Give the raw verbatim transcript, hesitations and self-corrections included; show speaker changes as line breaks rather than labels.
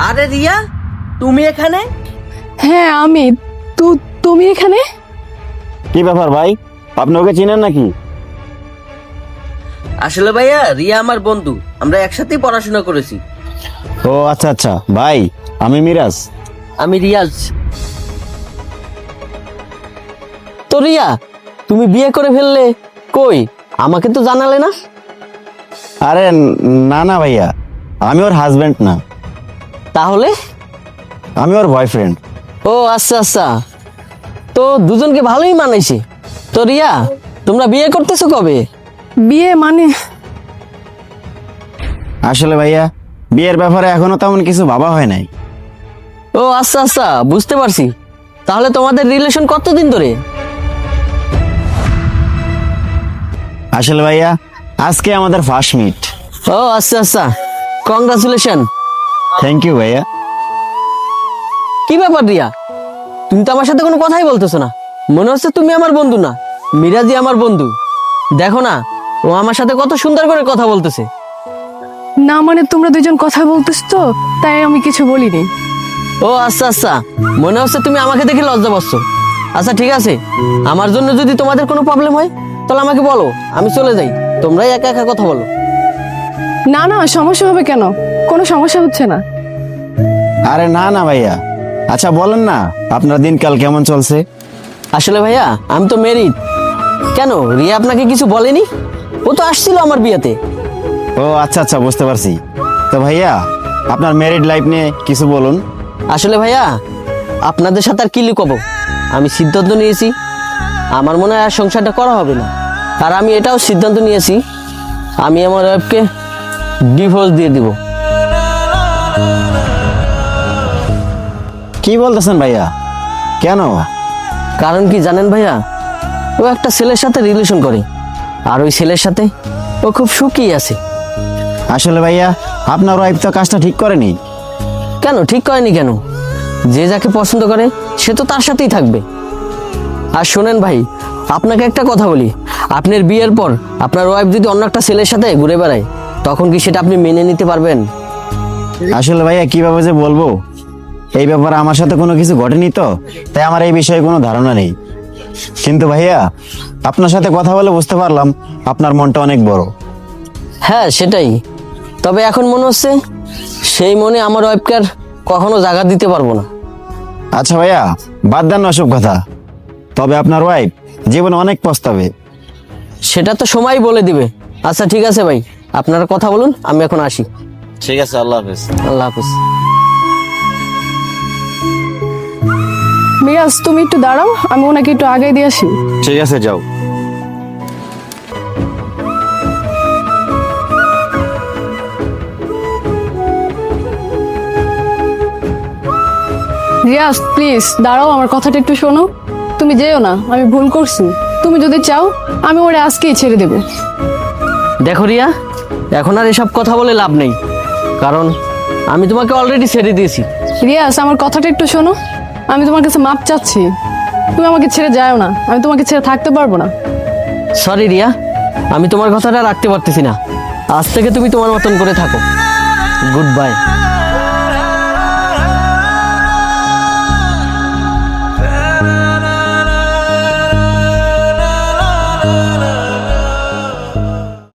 আরে রিয়া, তুমি এখানে?
হ্যাঁ আমি। তু তুমি এখানে?
কি ব্যাপার ভাই, আপনি ওকে চিনেন নাকি?
আসলে ভাইয়া রিয়া আমার বন্ধু, আমরা একসাথেই পড়াশোনা করেছি।
ও আচ্ছা আচ্ছা ভাই, আমি মিরাজ।
আমি রিয়াজ। তো রিয়া, তুমি বিয়ে করে ফেললে, কই আমাকে তো জানালে না?
আরে না না ভাইয়া, আমি ওর হাজবেন্ড না,
তাহলে?
আমি ওর বয়ফ্রেন্ড।
ও আচ্ছা আচ্ছা, তো দুজনকে ভালোই মানাইছে। তো রিয়া, তোমরা বিয়ে করতেছো কবে?
বিয়ে মানে?
আসলে ভাইয়া বিয়ের ব্যাপারে এখনো তেমন কিছু ভাবা হয় নাই।
ও আচ্ছা আচ্ছা, বুঝতে পারছি। তাহলে তোমাদের রিলেশন কতদিন ধরে?
আসলে ভাইয়া আজকে আমাদের ফার্স্ট মিট।
ও আচ্ছা আচ্ছা, কংগ্রাচুলেশন।
থ্যাংক ইউ ভাইয়া।
কি ব্যাপার রিয়া, তুমি তো আমার সাথে কোনো কথাই বলতেছো না। মনে হচ্ছে তুমি আমার বন্ধু না, মিরাজি আমার বন্ধু। দেখো না, ও আমার সাথে কত সুন্দর করে কথা বলতেছে।
না মানে তোমরা দুজন কথা বলতেছ তো, তাই আমি কিছু বলিনি।
ও আচ্ছা আচ্ছা, মনে হচ্ছে তুমি আমাকে দেখে লজ্জা পাচ্ছ। আচ্ছা ঠিক আছে, আমার জন্য যদি তোমাদের কোনো প্রবলেম হয় তাহলে আমাকে বলো, আমি চলে যাই। তোমরাই একা একা কথা বলো।
না না, সমস্যা হবে কেন? কোনো সমস্যা হচ্ছে না।
আরে না না ভাইয়া, আচ্ছা বলেন না আপনার দিনকাল কেমন চলছে?
আসলে ভাইয়া আমি তো মেরিড। কেন, রিয়া আপনাকে কিছু বলেনি? ও তো আসছিল আমার বিয়েতে।
ও আচ্ছা আচ্ছা, বুঝতে পারছি। তো ভাইয়া আপনার ম্যারিড লাইফ নিয়ে কিছু বলুন।
আসলে ভাইয়া আপনাদের সাথে আর কি লুকাবো, আমি সিদ্ধান্ত নিয়েছি আমার মনে হয় আর সংসারটা করা হবে না। আর আমি এটাও সিদ্ধান্ত নিয়েছি আমি আমার ওয়াইফকে ডিভোর্স দিয়ে দিব।
কি বলতেছেন ভাইয়া, কেন?
কারণ কি জানেন ভাইয়া, ও একটা ছেলের সাথে রিলেশন করে, আর ওই ছেলের সাথে ও খুব সুখী আছে।
আসলে ভাইয়া আপনার ওয়াইফ তো কাজটা ঠিক করেনি।
কেন ঠিক করেনি কেন? যে যাকে পছন্দ করে সে তো তার সাথেই থাকবে। আর শোনেন ভাই, আপনাকে একটা কথা বলি, আপনার বিয়ের পর আপনার ওয়াইফ যদি অন্য একটা ছেলের সাথে ঘুরে বেড়ায়, তখন কি সেটা আপনি মেনে নিতে পারবেন?
আসলে ভাইয়া কিভাবে যে বলবো, এই ব্যাপারে আমার সাথে কোনো কিছু ঘটেনি তো, তাই আমার এই বিষয়ে কোনো ধারণা নেই। কিন্তু ভাইয়া আপনার সাথে কথা বলে বুঝতে পারলাম আপনার মনটা অনেক বড়।
হ্যাঁ সেটাই, তবে এখন মনে হচ্ছে সেই মনে আমার ওয়াইফকে আর কখনো জায়গা দিতে পারবো না।
আচ্ছা ভাইয়া বাদ দেন না ওসব কথা, তবে আপনার ওয়াইফ জীবনে অনেক পস্তাবে।
সেটা তো সময় বলে দিবে। আচ্ছা ঠিক আছে ভাই, আপনারা কথা বলুন, আমি এখন আসি।
ঠিক আছে, আল্লাহ হাফেজ।
আল্লাহ হাফিজ।
মিরাজ তুমি একটু দাঁড়াও, আমি ওনাকে একটু আগে দিয়ে আসি।
ঠিক আছে, যাও।
রিয়াজ প্লিজ দাঁড়াও, আমার কথাটা একটু শোনো। তুমি যেও না, আমি ভুল করছি। তুমি যদি চাও আমি ওরে আজকেই ছেড়ে দেবো।
দেখো রিয়া, এখন আর এসব কথা বলে লাভ নেই, কারণ আমি তোমাকে অলরেডি ছেড়ে দিয়েছি।
রিয়াজ আমার কথাটা একটু শোনো, আমি তোমার কাছে মাপ চাচ্ছি। তুমি আমাকে ছেড়ে যাও না, আমি তোমাকে ছেড়ে থাকতে পারবো না।
সরি রিয়া, আমি তোমার কথাটা রাখতে পারতেছি না। আজ থেকে তুমি তোমার মতন করে থাকো। Good by.